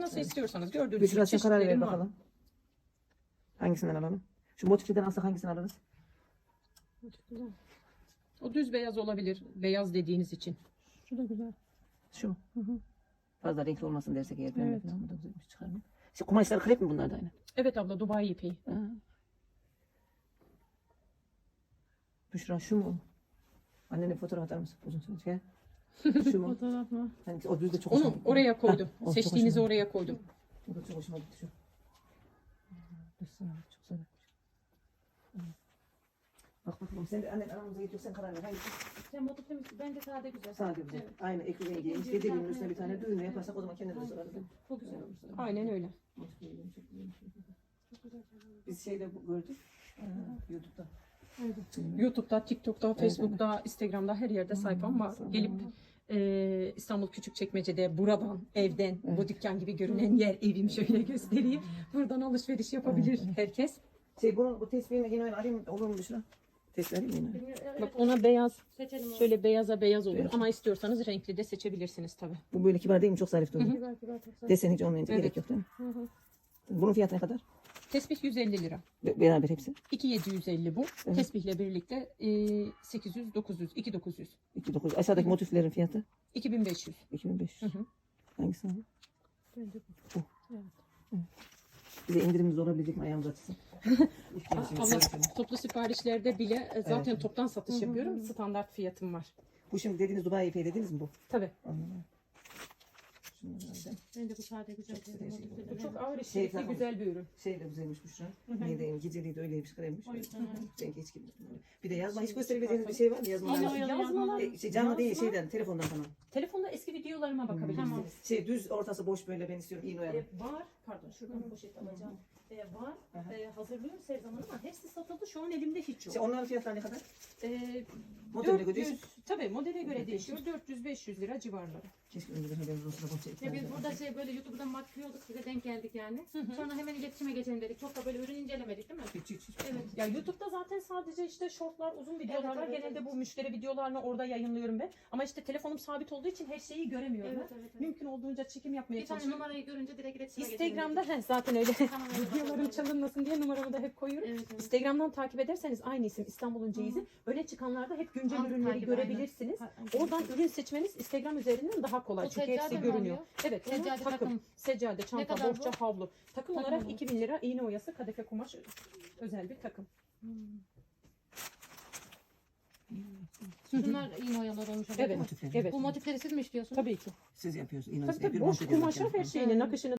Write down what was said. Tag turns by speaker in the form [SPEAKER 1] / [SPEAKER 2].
[SPEAKER 1] Nasıl istiyorsanız gördüğünüz
[SPEAKER 2] Büşra sen karar ver
[SPEAKER 1] çeşitlerim var.
[SPEAKER 2] bakalım. Hangisinden alalım? Şu motifliden alsak hangisini alırız?
[SPEAKER 1] O düz beyaz olabilir. Beyaz dediğiniz için.
[SPEAKER 3] Şu da güzel.
[SPEAKER 2] Şu mu?
[SPEAKER 3] Hı hı.
[SPEAKER 2] Fazla renkli olmasın dersek eğer. Pembe
[SPEAKER 3] Evet.
[SPEAKER 2] falan bu da güzelmiş çıkar mı? İşte kumaşlar krep mi bunlar da aynı?
[SPEAKER 1] Evet abla, Dubai ipeği.
[SPEAKER 2] Ha. Büşra şu mu? Annene bir fotoğraf atar mısın? Uzun süre. Gel. Şu mu?
[SPEAKER 3] Fotoğraf mı?
[SPEAKER 2] Hani o düz de çok
[SPEAKER 1] Onu
[SPEAKER 2] hoşuma gitti.
[SPEAKER 1] oraya koydum.
[SPEAKER 2] Ha, o çok
[SPEAKER 1] Seçtiğinizi
[SPEAKER 2] hoşuma
[SPEAKER 1] oraya koydum.
[SPEAKER 2] O da çok hoşuma gitti şu. Çok güzel. Bak bakalım sen de annen aramıza gidiyor sen karar ver. Hangisi?
[SPEAKER 3] Sen motifli misin? Bence sade güzel.
[SPEAKER 2] Sade güzel.
[SPEAKER 3] Evet.
[SPEAKER 2] Aynı ekru rengi. Dediğimin üstüne bir tane düğme yaparsak o zaman kendine de sorarız.
[SPEAKER 3] Çok güzel.
[SPEAKER 1] Aynen öyle.
[SPEAKER 2] Biz şeyde gördük. YouTube'da.
[SPEAKER 1] YouTube'da, TikTok'ta, Facebook'ta, Instagram'da her yerde sayfam var. Gelip İstanbul Küçükçekmece'de buradan, evden, bu dükkan gibi görünen yer evim şöyle göstereyim. Buradan alışveriş yapabilir herkes.
[SPEAKER 2] Bu tespihin yine arayayım olur mu Büşra? Tespih arayayım mı yine?
[SPEAKER 1] Bak ona beyaz,
[SPEAKER 3] Seçelim onu.
[SPEAKER 1] şöyle beyaza beyaz olur
[SPEAKER 2] Evet.
[SPEAKER 1] ama istiyorsanız renkli de seçebilirsiniz tabii.
[SPEAKER 2] Bu böyle kibar değil mi? Çok zarif duruyor.
[SPEAKER 3] Kibar kibar çok güzel.
[SPEAKER 2] Desen hiç olmayınca
[SPEAKER 1] Evet.
[SPEAKER 2] gerek yok değil mi?
[SPEAKER 3] Hı hı.
[SPEAKER 2] Bunun fiyatı ne kadar?
[SPEAKER 1] Tesbih 150 lira.
[SPEAKER 2] Beraber hepsi.
[SPEAKER 1] 2750 bu.
[SPEAKER 2] Evet.
[SPEAKER 1] Tesbihle birlikte 800, 900, 2900,
[SPEAKER 2] 2.900. Aşağıdaki motiflerin fiyatı
[SPEAKER 1] 2500.
[SPEAKER 2] 2500.
[SPEAKER 1] Hı hı.
[SPEAKER 2] Hangisi abi?
[SPEAKER 3] Bence
[SPEAKER 2] Bu.
[SPEAKER 3] Evet.
[SPEAKER 2] Bize indirimimiz olabilecek mi ayağımız açısın?
[SPEAKER 1] Ama toplu siparişlerde bile zaten
[SPEAKER 2] Evet.
[SPEAKER 1] toptan satış
[SPEAKER 3] Hı hı
[SPEAKER 1] yapıyorum.
[SPEAKER 3] hı.
[SPEAKER 1] Standart fiyatım var.
[SPEAKER 2] Bu şimdi dediğiniz Dubai ipeği dediniz mi bu?
[SPEAKER 1] Tabii.
[SPEAKER 2] Anladım. Şunu herhalde.
[SPEAKER 3] Bence bu sade güzel.
[SPEAKER 2] Çok güzel şey.
[SPEAKER 3] Motifli
[SPEAKER 1] Bu
[SPEAKER 3] de
[SPEAKER 1] çok
[SPEAKER 3] beğendim.
[SPEAKER 1] ağır
[SPEAKER 2] Şey
[SPEAKER 1] işçilikli
[SPEAKER 2] tamam.
[SPEAKER 1] güzel bir ürün.
[SPEAKER 2] Şey de güzelmiş Büşra.
[SPEAKER 1] hı.
[SPEAKER 2] Neydi? Geceliği de öyleymiş kremmiş.
[SPEAKER 3] O yüzden öyle.
[SPEAKER 2] Rengi hiç gibi. Bir de yazma hiç gösterebileceğiniz bir şey var mı? Yazmalar.
[SPEAKER 3] Yine oyalı
[SPEAKER 1] Yazmalar.
[SPEAKER 2] Şey, canlı değil
[SPEAKER 1] Yazma.
[SPEAKER 2] şeyden telefondan falan.
[SPEAKER 1] Telefonda eski videolarıma bakabilirsiniz.
[SPEAKER 3] Tamam.
[SPEAKER 2] Şey düz ortası boş böyle ben istiyorum iğne oyalı.
[SPEAKER 1] Var, pardon şuradan poşet alacağım. Var,
[SPEAKER 2] Aha.
[SPEAKER 1] hazırlıyorum her zaman ama hepsi satıldı. Şu an elimde hiç yok.
[SPEAKER 2] Şey, onların fiyatları ne kadar?
[SPEAKER 1] E,
[SPEAKER 2] Modeline göre
[SPEAKER 1] 400, tabii modele göre
[SPEAKER 2] Evet,
[SPEAKER 1] değişiyor. 400-500 lira civarları.
[SPEAKER 2] Keşke önceden haberimiz olsa da boş
[SPEAKER 3] Ya biz burada şey böyle YouTube'dan bakıyorduk size denk geldik yani. Sonra hemen iletişime geçelim dedik. Çok da böyle ürün incelemedik değil mi?
[SPEAKER 2] Hiç.
[SPEAKER 3] Evet.
[SPEAKER 1] Ya YouTube'da zaten sadece işte shortlar, uzun videolar var.
[SPEAKER 3] Evet,
[SPEAKER 1] Genelde
[SPEAKER 3] evet.
[SPEAKER 1] bu müşteri videolarını orada yayınlıyorum ben. Ama işte telefonum sabit olduğu için her şeyi göremiyorum.
[SPEAKER 3] Evet,
[SPEAKER 1] ben.
[SPEAKER 3] evet, evet.
[SPEAKER 1] Mümkün olduğunca çekim yapmaya
[SPEAKER 3] Bir tane
[SPEAKER 1] çalışıyorum.
[SPEAKER 3] numarayı görünce direkt iletişime geçelim
[SPEAKER 1] Instagram'da
[SPEAKER 3] dedik.
[SPEAKER 1] zaten öyle
[SPEAKER 3] Tamam, öyle
[SPEAKER 1] videolarım
[SPEAKER 3] bakalım.
[SPEAKER 1] çalınmasın diye numaramı da hep koyuyorum.
[SPEAKER 3] Evet, evet.
[SPEAKER 1] Instagram'dan takip ederseniz aynı isim İstanbul'un ceyizi. Öne çıkanlarda hep güncel
[SPEAKER 3] Anlık
[SPEAKER 1] ürünleri
[SPEAKER 3] takip,
[SPEAKER 1] görebilirsiniz.
[SPEAKER 3] aynen.
[SPEAKER 1] Oradan ürün seçmeniz Instagram üzerinden daha kolay.
[SPEAKER 3] O
[SPEAKER 1] Çünkü
[SPEAKER 3] seccade
[SPEAKER 1] hepsi
[SPEAKER 3] mi
[SPEAKER 1] görünüyor.
[SPEAKER 3] oluyor?
[SPEAKER 1] Evet, onlar
[SPEAKER 3] Seccade
[SPEAKER 1] takım,
[SPEAKER 3] takım.
[SPEAKER 1] seccade, çanta,
[SPEAKER 3] kadar
[SPEAKER 1] bohça,
[SPEAKER 3] bu?
[SPEAKER 1] havlu. Takım
[SPEAKER 3] Takım
[SPEAKER 1] olarak
[SPEAKER 3] olarak.
[SPEAKER 1] 2000 lira iğne oyası, kadife kumaş özel bir takım.
[SPEAKER 3] Bunlar iğne oyalar olmuş.
[SPEAKER 1] Evet,
[SPEAKER 2] Motifleri.
[SPEAKER 1] evet.
[SPEAKER 3] Bu motifleri siz mi işliyorsunuz?
[SPEAKER 1] Tabii ki.
[SPEAKER 2] Siz yapıyorsunuz. İğne
[SPEAKER 1] Tabii tabii.
[SPEAKER 2] yapıyorum,
[SPEAKER 1] Boş
[SPEAKER 2] monte ediyorum
[SPEAKER 1] kumaşa her
[SPEAKER 2] kendim.
[SPEAKER 1] şeyini, nakışını